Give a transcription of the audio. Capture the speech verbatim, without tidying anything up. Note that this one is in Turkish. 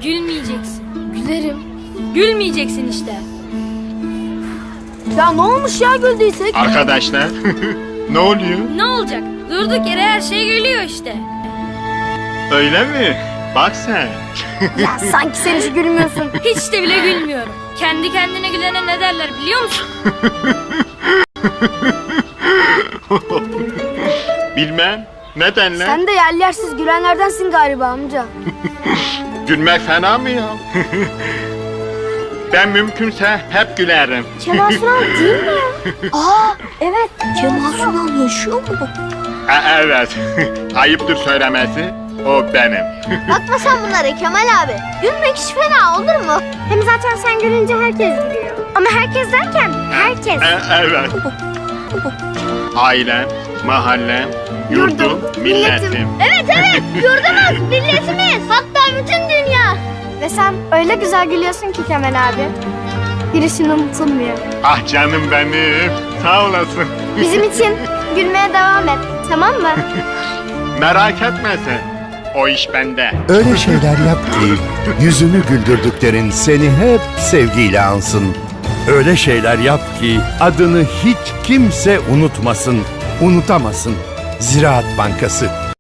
Gülmeyeceksin. Gülerim. Gülmeyeceksin işte. Ya ne olmuş ya güldüysek? Arkadaşlar ne oluyor? Ne olacak? Durduk yere her şey gülüyor işte. Öyle mi? Bak sen. Ya sanki sen hiç gülmüyorsun. Hiç de bile gülmüyorum. Kendi kendine gülene ne derler biliyor musun? Bilmem. Neden lan? Sen de yerli yersiz gülenlerdensin galiba amca. Gülmek fena mı ya? Ben mümkünse hep gülerim. Kemal Sunal değil mi ya? Aa evet. Kemal Sunal yaşıyor mu? E, evet. Ayıptır söylemesi. O benim. Bakma sen bunlara Kemal abi. Gülmek hiç fena olur mu? Hem zaten sen gülünce herkes gülüyor. Ama herkes derken herkes. E, evet. Ailem, mahallem, yurdum, milletim. Evet evet yurdumuz, milletimiz. Hatta bütün dünya. Ve sen öyle güzel gülüyorsun ki Kemal abi. Gülüşün unutulmuyor. Ah canım benim. Sağ olasın. Bizim için gülmeye devam et. Tamam mı? Merak etme sen. O iş bende. Öyle şeyler yap ki yüzünü güldürdüklerin seni hep sevgiyle ansın. Öyle şeyler yap ki adını hiç kimse unutmasın, unutamasın. Ziraat Bankası